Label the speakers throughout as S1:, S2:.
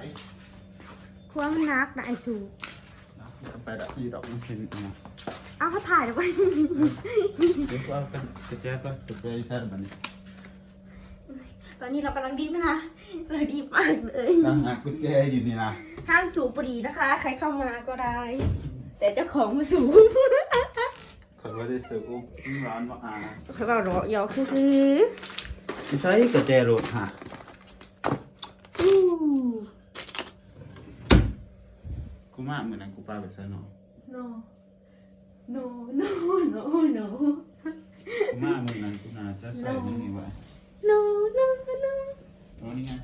S1: ความนักนะไอซู
S2: ไปดับที่ดอกมันเป็นไง
S1: เอาเขาถ่ายแล้วไป
S2: เดี๋ยวว่ากันจะแจ้ก็จะแจ้ใช่แบบนี้
S1: ตอนนี้เรากำลังดีนะคะเราดีมากเลย
S2: ตั้งหากุญแจอยู่นี่นะ
S1: ห้ามสูบบุหรี่นะคะ ใครเข้ามาก็ได้ แต่เจ้าของมาสูบ
S2: เขาไม่ได้ซื้ออุ้มร้านว่า
S1: เขาบอกรอยอกซื้อ
S2: ไม่ใช่กุญแจรถฮะ
S1: อู้
S2: กูมาเหมือนนั้นกูปาไปซะหน่อย
S1: no no no no no
S2: กูมาเหมือนนั้นกูน่าจะใส่นี่ไว้
S1: no no no
S2: โอ้นี่ไง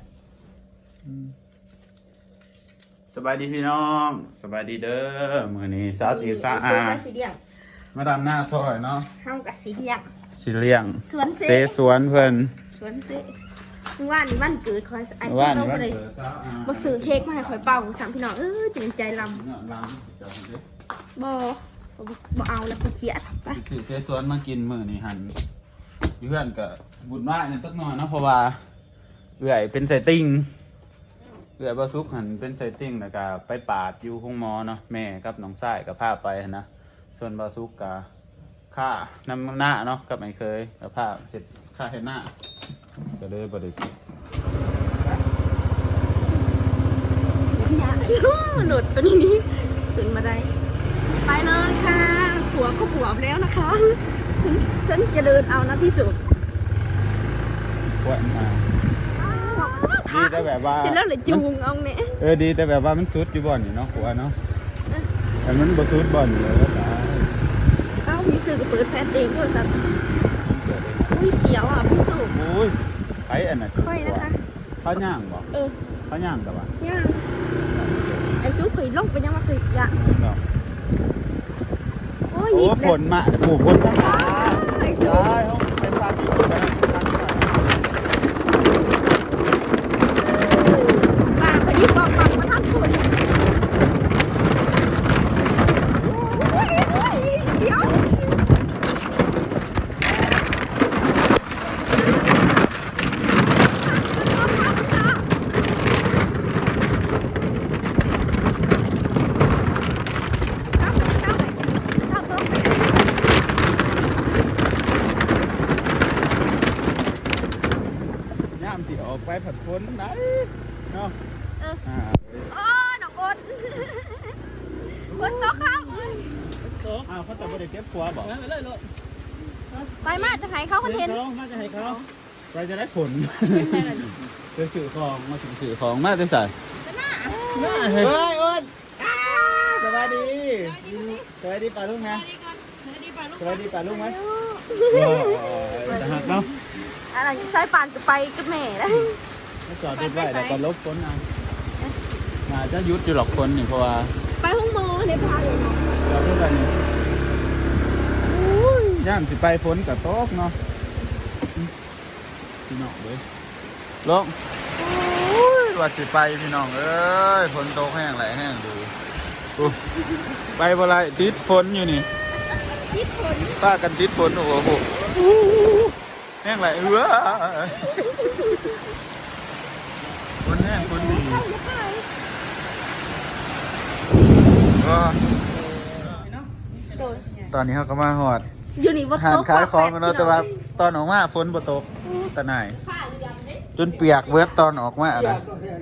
S2: สบายดีพี่น้องสบายดีเด้อมื้อนี้สาวตีสาวอามาดำหน้าซอยเนาะ
S1: ห้ามกับสีเดียง
S2: สิเลี้ยง
S1: สวนเซ
S2: สวนเพิ่น
S1: สวนเซว่านี่วันเกิดคอยไอ้
S2: ว่า
S1: ซุป
S2: นี่
S1: เรา
S2: ว่า
S1: เลย
S2: เกิดสาวอา
S1: มาซื้อเค้กมาให้คอยเป่าสั่งพี่น้องจริงใจล
S2: เนี่ยลำจะเอาเด้อ
S1: บ่เอาแล้วก็เขียดไป
S2: สิเสสวนมากินมื้อนี้หันเพื่อนก็บุญว่าเนี่ยสักหน่อยเนาะเพราะว่าเอื่อยเป็นไสติ่งเอื่อยบ่สุกหันเป็นไสติ่งแล้วก็ไปปาดอยู่ห้องหมอเนาะแม่กับน้องชายก็พาไปหั้นนะส่วนบ่สุกก็ค่าน้ำหน้าเนาะกับไม่เคยก็พาเฮ็ดค่าเฮ็ดหน้าก็เลยบ่ได้กิน
S1: สุดยอดโหลดตัวนี้ขึ้นมาได้ไปเลยค่ะผัวก็ผัวแล้วนะคะฉันจะเดินเอานะที่สุด
S2: ปวดมาดีแต่แบบว่า
S1: จะแล้วเลยจูงเอาเนี่ย
S2: ดีแต่แบบว่ามันสุดอยู่บ่อนอยู่เนาะหัวเนาะแต่มันบ่สุดบ่อนอยู่เลยก็ตาย
S1: เอ้ามีสื่อกับเปิดแฟนเองด้วยสัตว์อุ้ยเสียวอ่ะพี่สุ
S2: โอ้ยไปอันน่ะ
S1: ค่อยนะคะ
S2: เขาย่างบ่เขาย่างกับว่า
S1: ย่างไอ้ซุปเคยลงไปยังว่าเคยย่างโอ้ย
S2: โอ้ฝนมาปลูกฝนตั้งแต่
S1: ไอ้ซุป
S2: ได้ห้องเป็นซาติอยู่นะ
S1: ป่าพอดีบอกมาท่านคุณเสียว
S2: ย่ามสิออกไปผัดฝนไหนเนาะ
S1: โอ้หนองอนคนโตข้าม
S2: อ้าวเขาจะบ่ได้เก็บครัวบ่
S1: ไปมาจะให้เขาคอนเทนต์
S2: น่าจะให้เขาเราจะได้ผลจะสื่อของมาถึงสื่อของมาจะใส่เฮ้ยอ้นสวัสดีสวัสดีป่าลุงนะสวัสดีป่าลุงไหมจะหักเนาะ
S1: อะไรสายป่านจะไปกับแม่แล้ว
S2: ไม่จอดรถไว้แต่ก็ลบฝนเอามาจะยุดอยู่หรอกคนนี่เพราะว่า
S1: ไปห้องโมในพาเลยเนาะ
S2: จอดรถไว้นี่ย่ามสิไปฝนกับโต๊ะเนาะพี่น้องเลยลงว่าสิไปพี่น้องเอ้ยฝนตกแห้งไหลแห้งดูไปบ่ไรติดฝนอยู่นี่
S1: ทิศฝน
S2: ป้ากันติดฝนโอ้โหแห้งไหลฝนแห้งฝนดีก็ตอนนี้เขาก็มาหอด
S1: อยู่นี่ว่า
S2: หานขายของกันเนาะแต่ว่าตอนออกมาฝนบ่ตกตะไหนจนเปียกเบิดตอนออกมาอะไร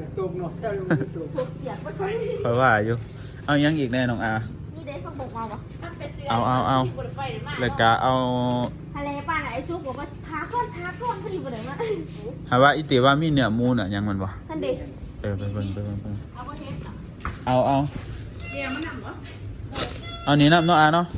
S2: เพราะว่าอยู่เอายังอีกแน่น้องอา
S1: นี่ได้ฟังบอกมาวะ
S2: เอาเลยกะเอา
S1: ทะเลป่านไอ้ซุปบอกว่าทาก้อนพอดีบ่ได้มา
S2: หาว่าอิติว่ามีเนื้อมูน่ะยังมันบ่
S1: ท่านเด็ก
S2: ไปเอาเอานี่น้ำเนาะอาเนาะ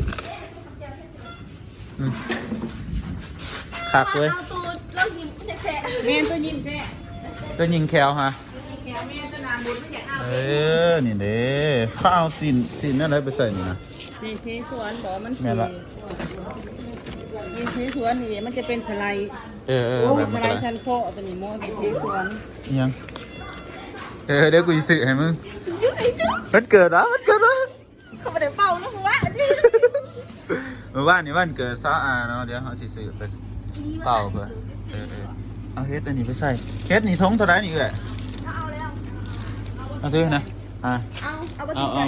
S2: คักเลย
S1: เอาตัวเรายิ้มแฉะ
S3: แม่ตัวยิ้มแซ่
S2: ก็ยิงแคลฮะ
S3: แก้วแม่ตัวนาบุญไม่อยากเอา
S2: นี่เด้เขาเอาสินอะไรไปใส่นี่นะ
S3: นี่เชสวนบอกมัน
S2: แม่ละ
S3: นี่เชสวนนี่มันจะเป็นสไลด์
S2: แบบ
S3: ส
S2: มัน
S3: ไล
S2: ก็
S3: ด์
S2: ได้
S3: ชั้นโคตัวนี้โม่เชสวน
S2: ยังเดี๋ยวกูจะซื้อให้มึงวันเกิดเหรอวันเกิดเหรอ
S1: เขาไม่ได้เป่านะมึงวะ
S2: เมื่อวานนี่วันเกิดซาอาเนาะเดี๋ยวเขาสิซื้อไปเป่าเพื่อเอาเฮ็ดอันนี้ไปใส่เฮ็ดนี่ทงเท่าไหร่นี่เอ้ย
S1: เอาแล้ว
S2: เอาซื้อนะ
S1: เอาไป
S2: เอา
S1: กิน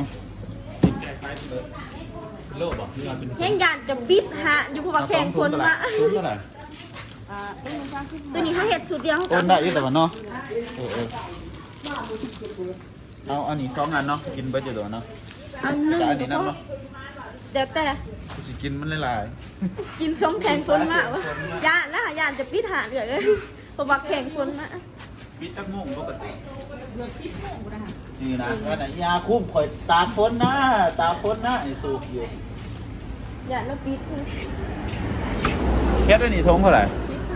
S2: โลบอกนี่เป็น
S1: แห้งยานจะบิดฮะอยู่เพราะว่าแข่งคนมา
S2: ตุ้มเท่าไหร่
S1: ตัวนี้เขาเห็ดสูตรเดียวเขา
S2: โอนได้ยี่แต่ว่าเนาะเอาอันนี้2 อันเนาะกินเบิดอยู่ตัวเนาะ
S1: อันนึง
S2: แต่อันนี้น้ำเนาะ
S1: เดี๋ยวแต่
S2: กูสิกินมันหลาย
S1: กินส้มแข่งคนมากวะยานแล้วยานจะปิดหาเลยเพราะว่าแข่งคนมา
S2: ปิดตักมุ่งปกตินี่นะว่าไหนยาคุ้มข่อยตาพ้นนะไอ้สูบอยู่
S1: ยานแล้วปิด
S2: แค่ตัวนี้ทงเท่าไหร่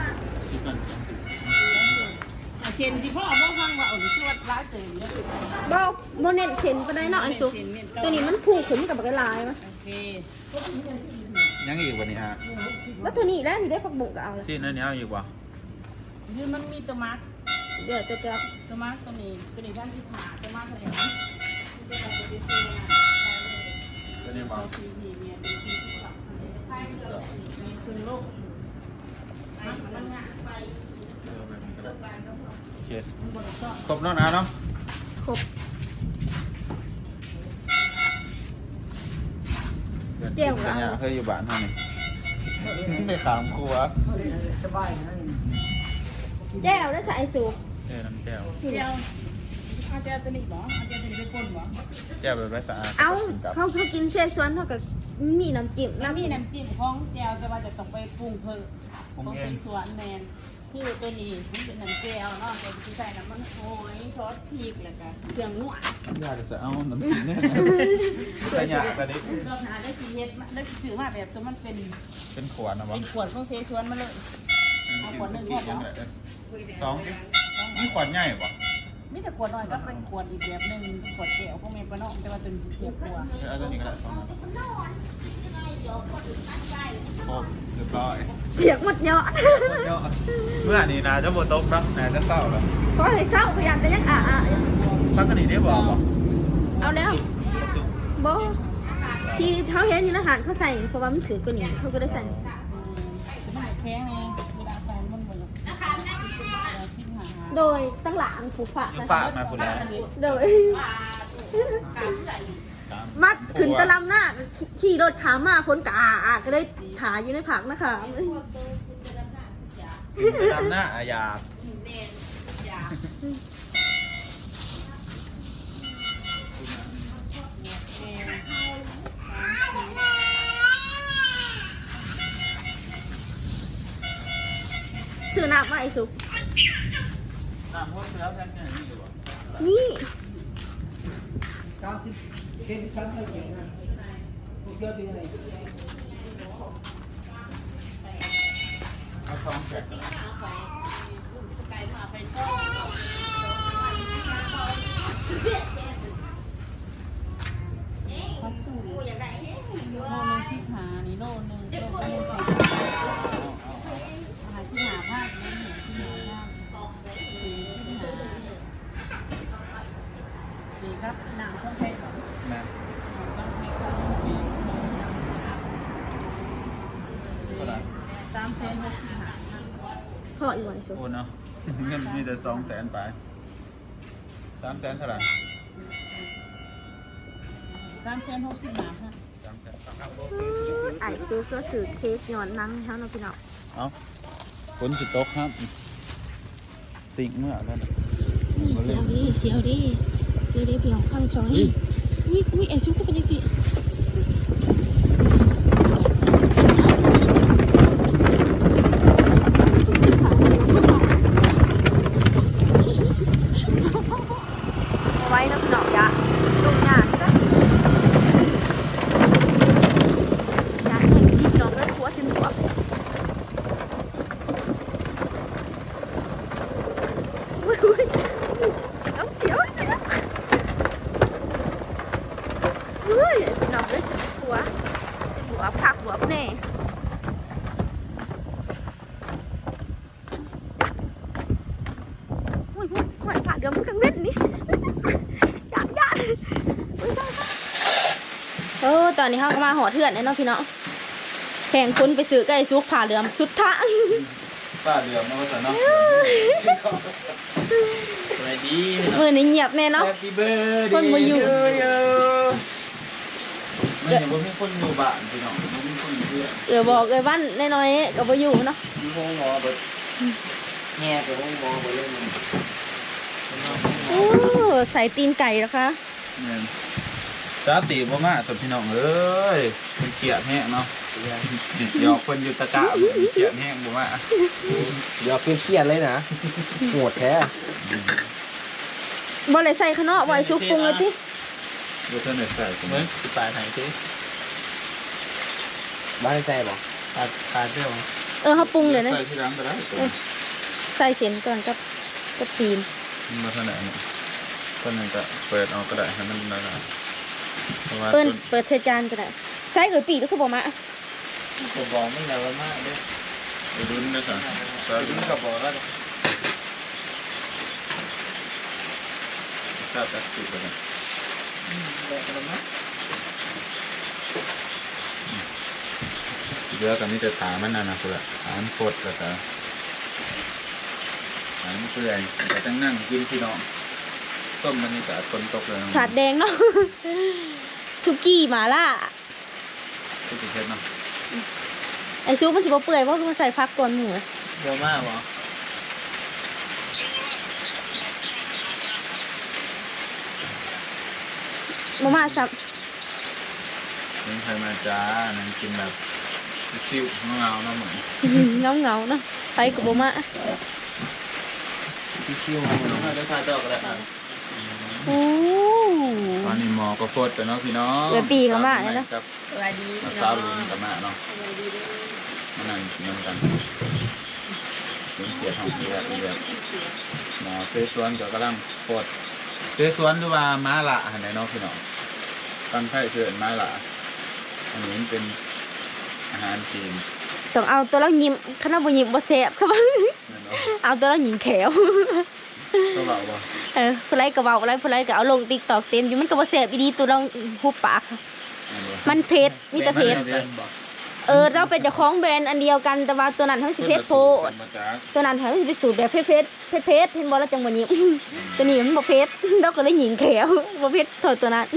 S3: เชนสิพ่อเอาฟังว่าเอาชื่อว่าร้ายเตยเนี่ย
S1: บ่โมเน้นเส้นไปได้เนาะไอ้สุกตัวนี้มันผูกขึ้นกับกระลายมั้ย
S3: โอเค
S2: ยังอีกวันนี้ฮะ
S1: แล้วตัวนี้แล้วนี่ได้ผักบุ้งก็เอาละ
S2: ที่นั่นนี่เอาอีกวะ
S3: คือมันมีตัวมาร์ก
S1: เดี๋ยวจะ
S3: ตัวมาร์กตัวนี้ท่านที่ผ่าตัวมาร์กอะไรนะ
S2: ตัวนี้บอก
S3: ซีพีเนี่ยเป็นซีที่ขับมีคืนโลกมันง่าย
S2: โอเคครบแล้วนะเนาะ
S1: ครบ
S2: เจ้าเนี่ยเคยอยู่บ้านเท่านี้ในขามครัว
S1: แจ้วได้ใส่ไอ้สุก
S2: น้ำแก้ว
S3: เจ้าอาจารย์ตัวนี้หรออาจารย์ตัวนี้เป็นคนหรอ
S2: แก้วแบบไม่สะอาด
S1: เอาเขาคือกินเส้นสวนเท่ากับมีน้ำจิ้ม
S3: แล้วมีน้ำจิ้มของแจวจะว่าจะต้องไปปรุงเพิ่ม
S2: ผม
S3: ของ
S2: เอ
S3: เป็
S2: ง
S3: นสวนแมนคือตัวนี้มันเป็นน้ำแจวเนาะแต่ที่ใส่น้ำมันโอยซอสพริกแล้วก็เครื่องนวด
S2: ยากจะเอาน้ำจิ้มเนี่ยใส่ยากแต่นี้
S3: เราหาได้ทีเฮ็ดได้ถือมาแบบตัวมันเป็น
S2: เป็นขวดนะวะ
S3: ขวดของเซชวนมาเลย
S2: ขวดหนึ่งขวดสองนี่ขวดใหญ่ปะ
S3: มีแต่ขวดน้อยก็เป็นขวดอีกแบบหนึ่งขวดแก้วของเมย์ปะเนาะแต่ว่าตัวนี้เสียบกว่า
S2: เอาตัวนี้ก็ได้สองโอ้เรียบร้อย
S1: เถียงหมดเนาะ
S2: เมื่อนี้นะจะบดตกนะนะจะเศร้าแล้ว
S1: เพราะอะไรเศร้าพยายามจะยังอยู่
S2: ตั้งกันนี่ได้บอกปะ
S1: เอาแล้วบ่ที่เขาเห็นอยู่ในอาหารเขาใส่เพราะว่ามันถือกว่านี้เขาก็ได้ใส่
S3: สมัยแข้งไงเวลาใส่มันเหมือนทิ้งหา
S1: โดยตั้งหลังผูกฝา
S2: ฝากมาคนแล้ว
S1: โดยมัดขึ้นตะลำหน้าขี่รถขามาพ้นกะก็ได้ขาอยู่ในผักนะคะ
S2: ดำหน้าอาญา
S1: ชื่อน้ำว่าไอ้สุก
S2: น้ำพวกเสือแพนเนี่ยนี่อยู่
S1: นี่
S2: เอาทองแจก
S3: พักสูตรโลนึงที่หานี่โลนึงโลก็เลยสิหาที่หาภาคนี่ที่หาภาคดีครับหนังช่องแพง
S2: แม่ เท่าไหร่
S3: 3 เซน6หา
S1: พ่ออีกวันไอ้สุก
S2: โอนเนาะเงินมีแต่200,000ไป300,000เท่าไหร่
S3: 3 เซน60หาค่ะ
S1: ไอ้สุกก็สื่อเค้กย้อนนั่งเขาเนาะพี่น้อง
S2: เอาฝนสิตกครับสิ่งเมื่อแล้วนะ
S1: นี่เสียวดิเสียวดิพี่น้องข้างซอยอุ้ยไอ้สุกก็เป็นยังสิไว้นะพี่น้องยะลงงานซะยะแห่งที่พี่น้องเลิกหัวจนหัวอุ้ยเสียวเฮ้ยพี่น้องเลยเสียวหัวผักหัวแน่อุ้ยผ่านเดี๋ยวมึงกังเล่นนี่ยากอุ้ยใช่ตอนนี้เขาก็มาหอเถื่อนแล้วเนาะพี่น้องแข่งคนไปซื้อไก่ซุกผ่าเหลือมสุดทาง
S2: ป้าเดือดมาว่าแต่เนาะอะไร
S4: ดี
S1: มือนี้เงียบแม่เนาะ
S4: Happy birthday
S1: คนบ่อยู่
S2: มันยังบ่มีคนอยู่บ้านพี่น้องบ่มีคนอยู่เพื่อน
S1: บอกเลยว่าน้อยๆก็บ่อยู่เนาะ
S4: มีห้องหมอเบิดแง่ไปห้องหมอเบิดเลยมัน
S1: โอ้ใส่ตีนไก่นะคะ
S2: แม่นจ้าตีบ่มาสพี่น้องเอ้ยมันเกลียดแห้งเนาะหยอกคนอยู่ตะกะมันเกลียดแห้งบ่มา
S4: เดี๋ยวเครียดเลยนะโหดแท้
S1: บ่เลยใส่ข้างนอกไว้ซุปปรุงเลยติ
S2: บ่ทันได้ใส่ตรง
S4: เหมือ
S2: นี้
S4: นสิปลายไหนสิบ้านใจบ่ปลาเที่ยว
S1: เฮาปรุงเลยนะ
S2: ใส่ที่หลังก็ได้ตัว
S1: ใส่เส้นก่อนกับตีน
S2: มันบ่ทันได้เนี่ยคนนึงก็เปิดเอาก็ได้ให้มันได้เพราะว่า
S1: เปิดใส่จานก็ได้ใส่ปีแล้วคือบ่มา
S4: ผมบอกไม่แล้วมากด้วย
S2: ลุ้นด้วยกัน
S4: ตอนนี้ก็บอกแล้ว
S2: ถ้าตัดติดไปเลยเรือกับนี่จะถามมันนะคือถามโคตรแล้วก็ถามเพื่อนแต่ตั้งนั่งกินพี่น้องต้มมันนี่ก็คนตกเลย
S1: ฉาดแดงเนาะ สุกี้หมาล่า
S2: ที่ติดเช็ดเนาะ
S1: ไอซุปมันสิบ่เปื่อยเพราะมันใส่พักก่อนหมู
S4: เยอะมากบ่
S1: มาม่าซับ
S2: นี่ใครมาจ้านั่งกินแบบซิ่วๆเงาๆเนาะเหมือน
S1: เงาเนาะไปกับบ่มา
S4: ที่คิวมาน้องให้ได้ทานต่อก็ได้
S1: โอ้
S2: ตอนนี้หมอก็โคตรแต่เนาะพี่น้อง
S1: เออปีกมาเลยเนาะ
S2: กับ
S3: สวัสดี
S2: มาสาวลุงกับมาเนาะมานั่งกินกันถึงเสียทองเรียบหมอเซสวนก็กำลังโคตรเซสวนหรือว่าม้าละหันไหนเนาะพี่น้องตั้งไข่เชิญม้าละอันนี้เป็นอาหารจีน
S1: ต้องเอาตัวเรายิ้มขนาดบ่ยิ้มบ่แซ่บครับ
S2: แม่นเนาะ
S1: เอาตัวเราหญิงแขว
S2: ก็บอกว่า
S1: ผู้ไรก็เว้าอะไรผู้ไรก็เอาลง TikTok เต็มอยู่มันก็บ่แซ่บอีดีตัวเราหุบปากค่ะมันเผ็ดมีแต่เผ็ดเราเป็นเจ้าของแบรนด์อันเดียวกันแต่ว่าตัวนั้นเฮาสิเผ็ดโพดตัวนั้นเฮาสิไปสูตรแบบเผ็ดเห็นบ่แล้วจังบ่ยิ้ม ตัวนี้มันบ่เผ็ดเราก็เลยหญิงแขวบ่เผ็ดเท่าตัวนั้น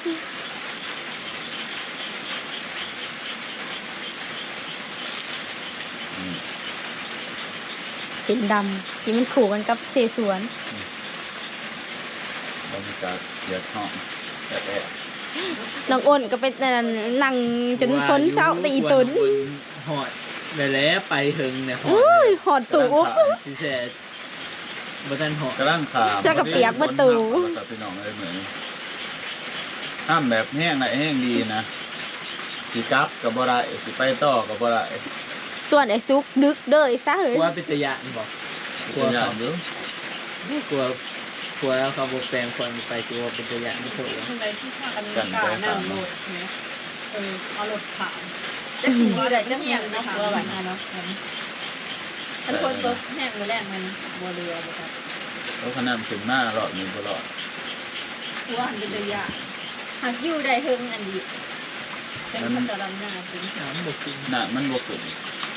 S1: เส้นดำที่มันขู่กันกับเสสวน
S2: บรรยากาศเดือดห้องแอบ
S1: น้องอ้นก็เป็นนั่งจนพ้นเศร้าตีตุน
S4: หอดไปแล้วไปถึงเนี่ยหอด
S1: อุ้ยหอดตู
S4: ที่แท้บ่ทันหอด
S2: กำลังขาม
S1: เสื้อกับเปียกประตู
S2: พี่น้องเลยเหมือนห้ามแบบแห้งไหนแห้งดีนะสิกลับกับบ่ได้สิไปต่อกับบ่ได้
S1: ส่วนไอ้ซุกดึกเด้อไอ้ซะเฮ้
S4: ก
S1: ย
S4: ลัวเป็นตะยานบอกกลัว
S2: เป็นอย่า
S4: เขา
S2: งเดียว
S4: กลัวแล้วเขาบอกแปลงคนไปกลัวเป็นตะยานไม่ถูก
S3: คนใดที่พากันกล้านั่งรถเนี่ยเอารถผ่านจะขี่อยู่ได้จะเหียนเนาะเรือแบบนั้นเนาะมันคนตัวแห้งมือแรกมันบัวเรือบ่ครับ
S2: แล้วขนาดถึงหน้ารอดมีบ่รอด
S3: ตัวหันเป็นระยะหากอยู่ได้เทิงอันดีเป็นพัฒนาหน้าเป็น
S4: น้ำบกจริง
S2: หนามันบ่ขึ้น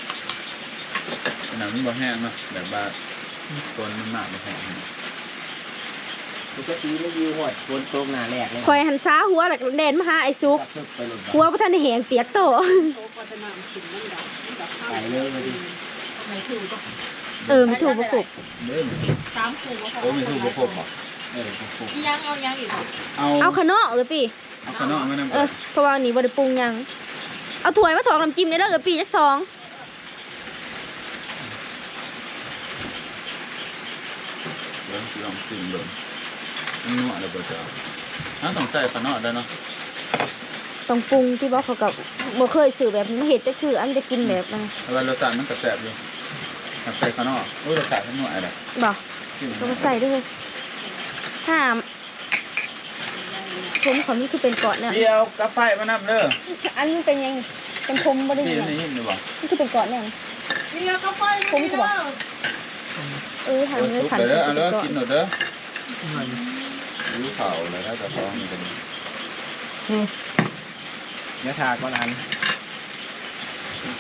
S2: หนามันบ่แห้งเนาะแบบว่าต้นมันมากบ่แห้ง
S4: ปกติไม่ยืมหอดบนโต๊ะหน้าแรกเลย
S1: คอยหันซ้าหัวหลักแดนมาหาไอ้ซุก
S4: ไปหลุด
S1: หัวพระท่านได้แหงเปียกโต
S3: โตพัฒนาขึ้นมันดับมันดับ
S4: ไปเลยไปดิ
S3: ไม่ถูกก็
S1: ไม่ถูกบ่ถูก
S2: เด้อ
S3: ตามคู่ก็พอ
S2: โอ้ไม่ถูกบ่ครบบ่ครบ
S3: ยังเอายังอีก
S1: เอาขนมเออปี
S2: เอาขนมมานำกัน
S1: เพราะว่านี่บ่ได้ปรุงหยังเอาถ้วยมาถอกน้ำจิ้มได้เด้อเออปีจักซอง
S2: เดี๋ยวสิลองชิมดูมันนัวแล้วบ่จ้าต้องใส่ขนมได้เนาะ
S1: ต้องปรุงที่บอกเขากับบ่เคยซื้อแบบนี้มาเฮ็ดก็คืออันจะกินแบบนั้น
S2: แต่ว่ารสชาติมันก็แซ่บอยู่ใส่ขนมโอ้ยรสชาติมันนัวอะไร
S1: บ่ก็มาใส่ด้วยห้ามผมของนี่คือเป็นเกาะเนี่ย
S2: เดี๋ยวกาแฟมานำเด้อ
S1: อันนี้เป็นยังเป็นพรมบ่ได้
S2: นี่
S1: ยัง
S2: นี่นี่บ่
S1: นี่คือเป็นเกาะเนี่ย
S3: นี่แล้วก็ไฟ
S1: ผมก็บอกหันเลยหัน
S2: เด้อเอา
S1: เป็
S2: เด้
S1: น
S2: อ
S1: เกาะ
S2: กินหน่อยเด้อ
S4: มัน
S2: รู้ข่าวอะไรแล้วแต่ท้องนี่เป็น
S4: เนื้อทาก่อนอัน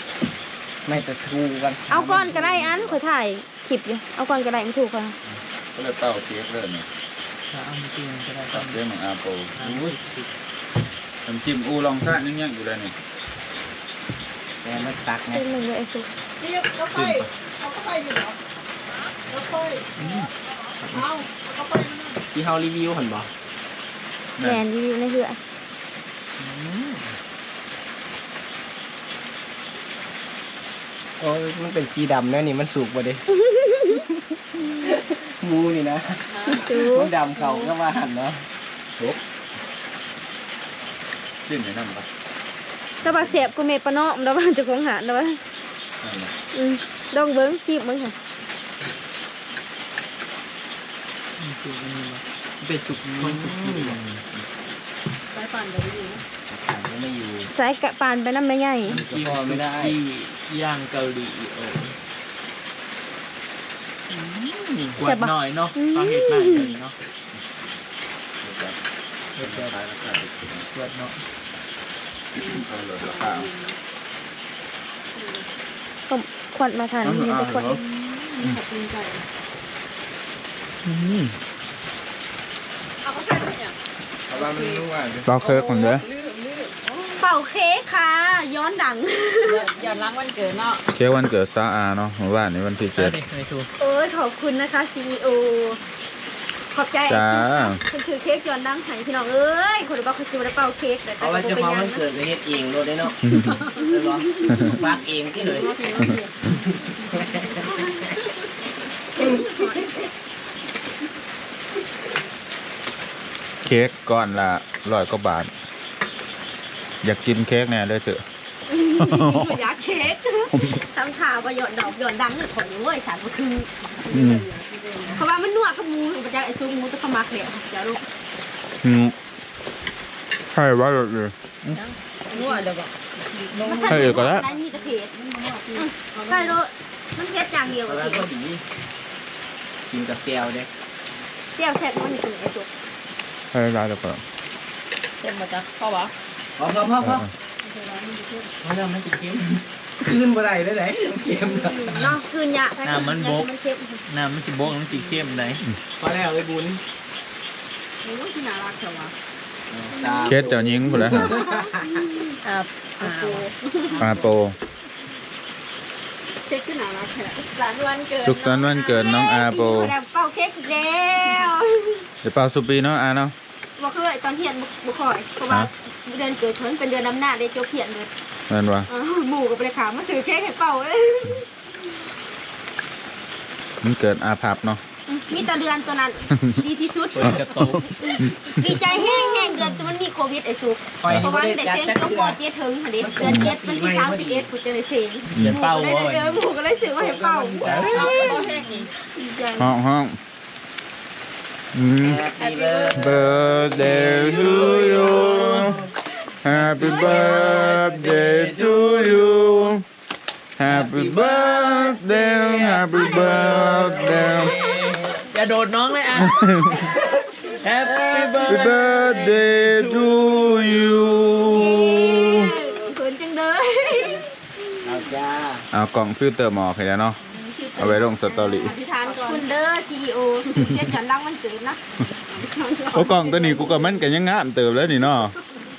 S4: ไม่แต่ทูกัน
S1: เอาก้อนก็ได้อันขอยถ่ายคลิปอยู่เอาก้อนก็ได้มันถูกค่ะ
S2: ก็เลยเต้าเค้กเลยนี่
S4: ถ้าเอามากินก็ได้
S2: ตับเรื่องของอาโป
S4: อุ้ย
S2: น้ำจิ้มอูลองซ่านิ่งๆอยู่เลยนี่
S4: แต่มันตักไง
S1: เป็นมึงเลยไอ้สุก
S3: นี่ก็ไปเอาก็ไปอยู่เหรอแล้วค่อยเอาก็ไปมัน
S4: ที่เฮารีวิวหันบ่
S1: แมนรีวิวในเหือ
S5: โอ้ยมันเป็นสีดำนะนี่มันสุกบ่เด้ หมูนี่นะ
S1: สุ
S5: มั
S1: ก
S5: นดำเขาก็ว่าหันเนาะ
S2: จิ้มในน้ำปะ
S1: แต่ว่าเสียบกูเมปะเนาะแต่ว่าจะคงหาแต่ว่า
S2: นั่นแหละ
S1: ลองเบิ้งซีบมึงค่ะ
S4: สุกอันนี้บ่เป็นสุกคนสุกที่บ่
S3: ไปปั่นเดี๋ยวไปดูนะ
S5: หันก็ไม่อยู่
S1: ใส่กะปานไปน้ำไม่ใหญ่
S4: ที่พอไม่ได้ที่ย่างเกาหลีโอ้กวดหน่อยเนาะเขาเห็ดมากเลยเนาะ
S2: เดี๋ยวจะขายราคาถูก
S4: กวดเนาะ
S2: ๆเอาเลยราคา
S1: ก็ขวัญมาทานนี่ไปขวัญ
S3: ขอบคุณใจเอาก็ใส่ไปเนี่ย
S5: เพราะว่ามันรู้ว่า
S2: เต้าเค้กคนเด้อ
S3: ลืม
S1: เป่าเค้กค่ะ ย้อนดัง
S3: อย่าล้างวันเกิดเนาะ
S2: เค้กวันเกิดซาอาเนาะเมื่อวานนี้วันที่
S4: เจ็
S2: 7
S4: ดไม่ถูก
S1: โอ้ยขอบคุณนะคะ CEO ขอบใจ
S2: จ้า
S1: คุณถือเค้กย้อนดังให้พี่น้องเอ้ยคนบอกเขาซื้อได้เป่าเค้กแต่
S5: เพราะว่าเจ้าของมันเกิดก็เฮ็ดเองโลดได้เนาะเลยบ่ปักเองที่เลย
S2: เค้กก้อนละ100 กว่าบาท อยากกินเค้กแน่เลยเถอะ
S1: อยากเค้กทำข่าวว่าหย่อนดอกหย่อนดังเลยของเว้ยสารก็คือ
S2: อืม
S1: เพราะว่ามันนัวกับหมูมันจะไอ้ซุปหมูจะเข้ามาเขียวจะลูก
S2: ใช่ว่าเลย
S3: นวดเดี๋ยวบอก
S2: ให้เอกก็แล้ว
S1: ได้มีแต่เผ็ดใช่รถมันเผ็ดอย่างเดียว
S5: เพ
S1: อะ
S5: ราะว่า
S1: เผ็ด
S5: พอดีกินกับแก้วเด้
S1: เจียวแซ่บมันนี่คือไอ้ซุป
S2: ให้ร้านเดียวกัน
S3: เต็มมาจากพ่อวะ
S5: พอเพราะมันติดเค็มคืนบ่ได้เลยไหนเค็มเนาะ
S1: เนาะคืนยะมันเค็ม
S4: น้ำมันสิบกมันสิเข้มไหน
S5: พอแล้วไอ้บุญ
S1: โอ้ยที่น่ารักจังวะ
S2: เค้กเจ้ายิงหมดแล้วฮะ
S3: อ่า
S2: อาโป
S1: เค้กที่น่ารักแค่
S3: หลานวันเกิด
S2: สุขสันต์วันเกิดน้องอาโป
S1: แบบเป่าเค้กอีกแล้ว
S2: เดี๋ยวเป่าสุปีเนาะอาเนาะ
S1: บอกคือตอนเทียนบุคอยเพราะว่าเดือนเกิดฉันเป็นเดือนน้ำหน้าได้โจเขียนเลย
S2: นั่นวะ
S1: หมูกับไปขามาซื้อเค้กให้เป่าเลย
S2: มันเกิดอาภัพเนาะ
S1: มีแต่เดือนตัวนั้น ดีที่สุด
S4: เปิดกระโตก
S1: ดีใจแห้งเดือนตัวมันมีโควิดไอ้สุก
S5: คอย
S1: เพ
S5: ให้
S1: ราะ
S5: บ่
S1: ว่า
S5: ได้
S1: ได้
S5: จัด
S1: เซ็ง
S5: จัก
S1: ต้อง
S5: เทื่
S1: พ
S5: อ
S1: อเจ็ดถึงค่ะเดือนเจ็ดวันที่31กูจะได้เซ็งหมูก็ได้หมูก็ได้ซื้อมาให้เป่า
S3: พ่อแห้งนี่
S1: ดีใจ
S2: ห้อง
S5: Happy birthday
S2: birthday to you Happy birthday to you Happy birthday Happy birthday
S4: อย่าโดดน้องเลยอ่ะ Happy
S2: Happy
S4: birthday
S2: birthday to you
S1: เขินจังเลย
S5: เอาจ้า
S2: เอากล่องฟิลเตอร์หมอกให้แล้วเนาะ เอาไว้ลงสตอรี่
S1: อธิษฐานก่อนคุณเด้อ CEO ซื้อเค้กกันลังมันเกิดนะ
S2: โอ้กล่องตัวนี้กูกับมันกันยังงามเติบแล้วนี่เนาะ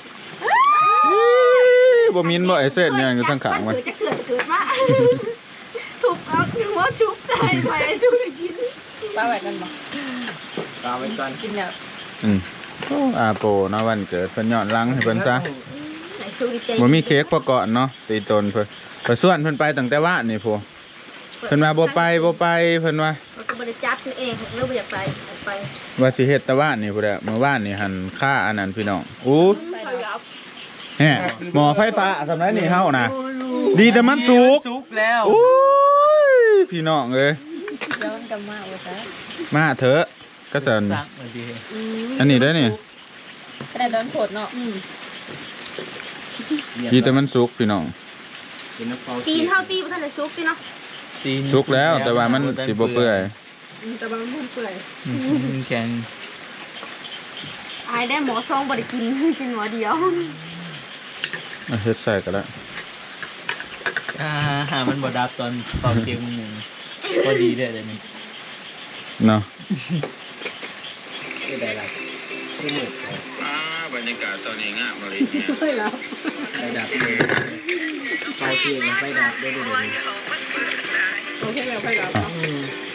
S2: บ่มินบ่ไอเส้นเนี่ยอยู่ทั้งขางมัน
S1: จะเกิดมาถูกเอาหัวชุบใจไปไอ้ชุบกิน
S3: ป้าไหวกันบ่
S5: ตามไว้ก่อน
S3: กินเนี่ย
S2: โอ้อาโปเนาะวันเกิดเพิ่นย้อนหลังให้เพิ่นซะ
S1: ไอ้ชุบดีใจ
S2: บ่มีเค้กประกอบเนาะตีตนเพิ่นไปส่วนเพิ่นไปตั้งแต่ว่านนี่พวกเพิ่นว่าบ่ไปเพิ่นว่า
S1: เราก็บริจัดนี่เองเราไม่อยากไป
S2: ว่าสิเฮ็ดแต่ว่านนี่พุ่นแหละเมื่อวานนี่หันค่าอันนั้นพี่น้องอู้
S1: ไปยับ
S2: แฮะหมอไฟฟ้าสำนักนี่เฮานะดีแต่มันสุก
S4: สุกแล้ว
S2: โอ้ยพี่น้องเอ้ย
S3: ย้อนกันมาโอ้ย
S2: มาเถอะก็จะ
S4: สักเลยดี
S2: อันนี้ได้อนี่
S3: ก็ได้โดนโผดเนาะ
S2: ดีแต่มันสุกพี่น้อง
S5: เป็นน้ำเปล่า
S1: ตีนเท่าตีมันทันจะซุปตีเนาะ
S2: สุกแล้วแต่ว่ามันสิบ่เปื่อย
S1: แต่บางมันเปื่อย
S4: แข็ง
S1: อายได้หมอซองบริกินกินหมอเดียว
S2: เอาเฮ็ดใส่ก็แล้ว
S4: หามันบดับตอนเป่าเค็มหนึ่งพอดีเลยเดี๋ยวนี้
S2: เนาะ
S5: คือได้ละคือหมึก
S2: บรรยากาศตอนนี้งามเลยเนี่ย
S3: ไม่แล้ว
S5: ไฟดับเลยไฟเทียนไฟดับได้ด้วย
S3: โอเคแล้วไปแล้ว
S5: อืม